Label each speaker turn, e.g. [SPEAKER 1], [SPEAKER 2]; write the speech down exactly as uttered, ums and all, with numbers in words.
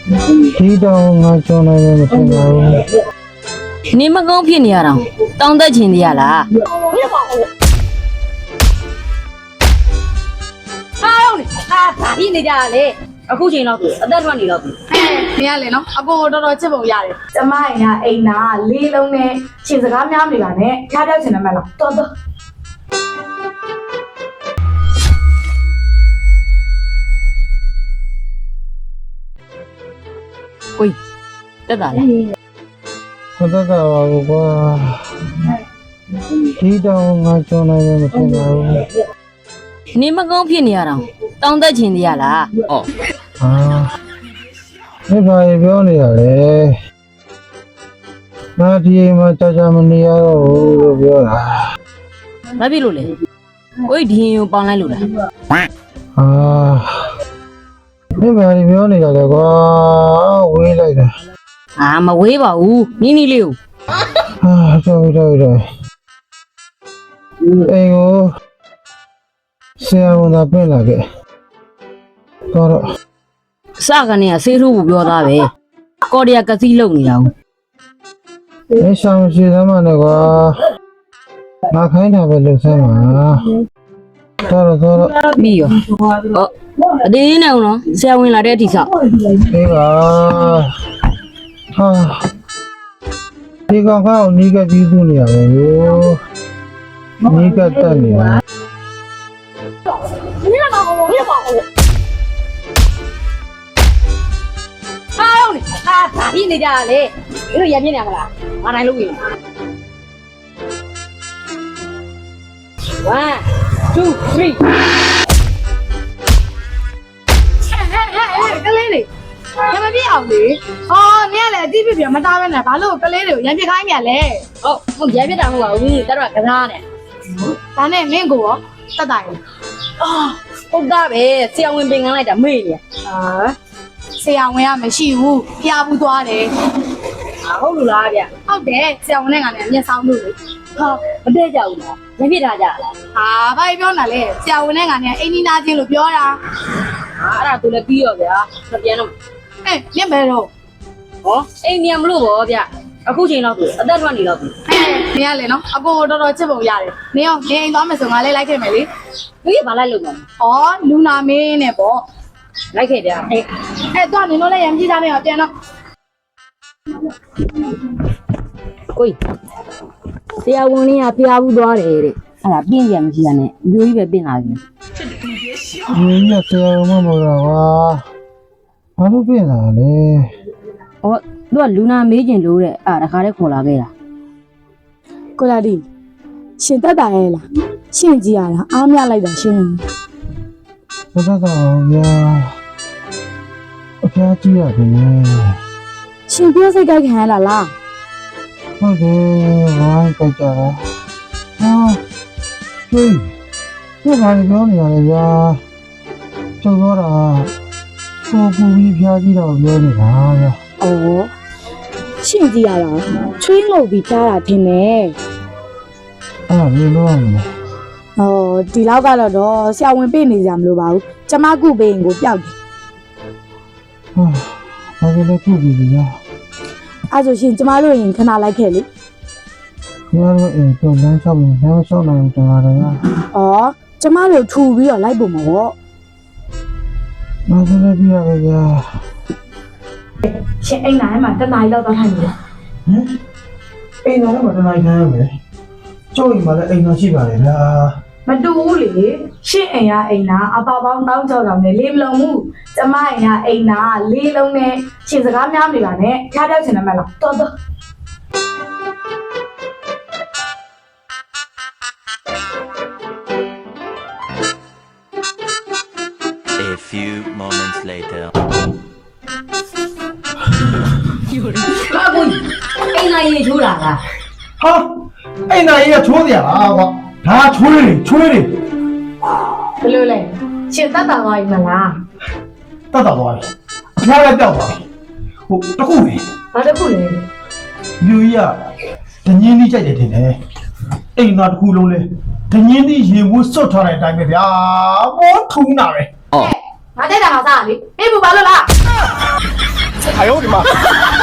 [SPEAKER 1] ဒီတော့ငါကြောင်းနိုင်လို့မဖြစ်ပါဘူးနေမကောင်းဖြစ်နေရတော့တောင်းသက်ချင်သေးရလား
[SPEAKER 2] အားလုံးလေအာဒါပြီးနေကြတာလေအခုချိန်တော့အသက်ထွက်နေတော့ပြီ
[SPEAKER 3] နေရလေနော်အကိုတော်တော်ချစ်ပုံရတယ်ကျမရင်ကအိမ်နာလေးလုံးနဲ့ရှင်စကားများနေပါနဲ့ခါပြောက်ချင်တယ်မလားတော်တော်
[SPEAKER 1] ကိုတက်တာလားမတက်တာပါဘူးကွာဒီတော့ငါကြောင်းနိုင်လို့မဖြစ်ပါဘူးနေမကောင်းဖြစ်နေရတော့တောင်းသက်ချင်သေးရလားဩဟာဒီဘာပြောနေရလဲငါဒီမှာကြာကြာမနေရတော့ဘူးလို့ပြောတာဘာဖြစ်လို့လဲကိုဒီရင်ကိုပေါင်းလိုက်လို့လားဟာဒီဘာပြောနေရလဲကွာဝေးလိုက်တာအာမဝေးပါဘူးနီးနီးလေးကိုဟာတော်တော်တော်အေးကိုဆရာဝန်သာပြင်လာခဲ့တော့အစကနေကဆေးထိုးဖို့ပြောသားပဲကော်ဒီယာကစီးလုံနေတာဟုတ်မင်းဆောင်ရှိသမ်းမနဲ့ကွာငါခိုင်းတာပဲလုပ်စမ်းပါတော့တော့ပြီးရောဟောအသေးနဲ့ဦးနော်ဆရာဝန်လာတဲ့အထိဆောက်အေးပါဟာဒီကောင်ကောနီးကပြီးသူနေရပါဘူးနီးကတက်နေတာ
[SPEAKER 2] အားလုံးလေအာဒါပြီးနေကြတာလေဒီလိုရပြင်းနေရမလားငါနိုင်လို့ပြီ one two three
[SPEAKER 3] ကလေးလေးရမပြအောင်လေဟောနေရလေအတိပြပြမသားပဲနဲ့ဘာလို့ကလေးတွေကိုရမ်းပြခိုင်းမြန်လဲ
[SPEAKER 2] ဟုတ်ဟုတ်ရပြတာမဟုတ်ပါဘူးတက်တော့ကစားနဲ့
[SPEAKER 3] ဒါနဲ့မင်းကိုရောတတ်တာရင်
[SPEAKER 2] အာဟုတ်တာပဲဆရာဝန်ပင်ကန်းလိုက်တာမေ့နေ
[SPEAKER 3] ဟာဆရာဝန်ကမရှိဘူးဖျားဘူးသွားတယ်
[SPEAKER 2] အာဟုတ်လို့လားဗျ
[SPEAKER 3] ဟုတ်တယ်ဆရာဝန်နဲ့ကလည်းအမျက်ဆောင်လို့လေ
[SPEAKER 2] ဟာမတည့်ကြဘူးလားရပြတာကြလား
[SPEAKER 3] ဟာဘာပြောနေလဲဆရာဝန်နဲ့ကလည်းအိမ်နီးနာချင်းလို့ပြောတာ
[SPEAKER 2] အာအဲ့ဒါသူလည်းပြီးရောဗျာမပြန်တော့
[SPEAKER 3] အေးမြင်မဲတော့
[SPEAKER 2] ဟောအိမ်မြန်မလို့ဗောဗျအခုချိန်တော့အသက်ထွက်နေတော့ပြီ
[SPEAKER 3] နေရလေနော်အကိုတော်တော်ချစ်ပုံရတယ်နေအောင်နေအိမ်သွားမယ်ဆိုငါလေးလိုက်ခဲ့မယ်လေ
[SPEAKER 2] သူကြီးဘာလိုက်လို့မလဲ
[SPEAKER 3] ဩလူနာမင်းနဲ့ပေါ့
[SPEAKER 2] လိုက်ခဲ့ဗျာအေး
[SPEAKER 3] အဲ့တော့နင်တို့လည်းရံကြည့်ကြမယ်ပြန်တော့
[SPEAKER 1] ကိုဆရာဝန်လေးကဖျားဘူးသွားတယ်တဲ့အဲ့ဒါပြင်းပြန်မရှိရနဲ့အမျိုးကြီးပဲပြင်လာပြီအမျိုးကြီးကဆရာဝန်မဟုတ်တော့ကွာဘာလို့ပြင်လာလဲဩသူကလူနာမေးကျင်လို့တဲ့အဲ့ဒါတခါတည်းခေါ်လာခဲ့တာ
[SPEAKER 3] ကိုလာဒီရှင်တက်တာရဲ့လားရှင်ကြည့်ရလားအားမရလိုက်တာရှင်
[SPEAKER 1] ဘယ်တော့ဗျာအဖျားကြီးရတယ်နဲ့
[SPEAKER 3] ရှင်ပြောစိတ်ကြိုက်ခံရလားလား
[SPEAKER 1] ဟုတ်တယ်ဝိုင်းကြကြတာဟာဟေးဒီဘာလို့ပြောနေရလဲဗျာကျုပ်ပြောတာကိုပူပြီးဖျားကြီးတော့ပြောနေတာဗျာ
[SPEAKER 3] ဩရှင်ကြည့်ရတာချွေးငုတ်ပြီးကြားတာထင်တယ်
[SPEAKER 1] အဲ့ဒါဘယ်လိုလုပ်ရမလဲ
[SPEAKER 3] ဟောဒီလောက်ကတော့တော့ဆရာဝန်ပြေးနေကြမလို့ပါဘူးကျမကုပေးရင်ကိုပျောက်တယ်
[SPEAKER 1] ဟာဘာလို့လဲခုပြီဗျာ
[SPEAKER 3] အဲ့ဆိုရှင်ကျမတို့ရင်ခဏလိုက်ခဲ့လေ
[SPEAKER 1] ကျမတို့အိမ်ကိုလမ်းလျှောက်ရင်လမ်းလျှောက်နိုင်ကြပါတော့ဗျာ
[SPEAKER 3] ဩကျမတို့ထူပြီးတော့လိုက်ဖို့မဟုတ်
[SPEAKER 1] ဘာလို့လဲပြရလဲဗျာ
[SPEAKER 3] ရှင်အိမ်နိုင်မှာတနားရီလောက်တော့ထိုင်နေတယ်
[SPEAKER 1] ဟမ်အိမ်သားလည်းမတနိုင်ခိုင်းရမယ်ကျုပ်အိမ်မှာလည်းအိမ်သားရှိပါတယ်ဗျာ
[SPEAKER 3] မတူဘူးလေရှင့်အိမ်ကအိမ်နာအပါပေါင်းတောင်းကြောက်တောင်နဲ့လေးမလုံးဘူးကျမအိမ်ကအိမ်နာလေးလုံးနဲ့ရှင်စကားများနေပါနဲ့ခါပြောက်ချင်တယ်မလားတော်တော်
[SPEAKER 4] A few moments later.
[SPEAKER 2] ဟာကိုအိမ်နိုင်ရေချိုးတာလား
[SPEAKER 1] ဟာအိမ်သားကြီးကချိုးစရာလားကွာဒါချွေးတယ်ချွေးတယ်
[SPEAKER 3] ဘယ်လိုလဲရှင်တတ်တာသွားပြီမလား
[SPEAKER 1] တတ်တော့သွားပြီအဖျားလည်းပျောက်သွားပြီဟိုတခုပဲ
[SPEAKER 3] ဘာတစ်ခုလဲ
[SPEAKER 1] မြို့ကြီးကဒညင်းကြီးကြိုက်တယ်ထင်တယ်အိမ်သားတစ်ခုလုံးလဲဒညင်းကြီးရေဝတ်စွတ်ထားတဲ့အတိုင်းပဲဗျာဘောထုံးတာပဲ
[SPEAKER 3] ငါတက်တာငါစားလေပြေဘူးဘာလို့လား
[SPEAKER 5] 哎呦我的妈！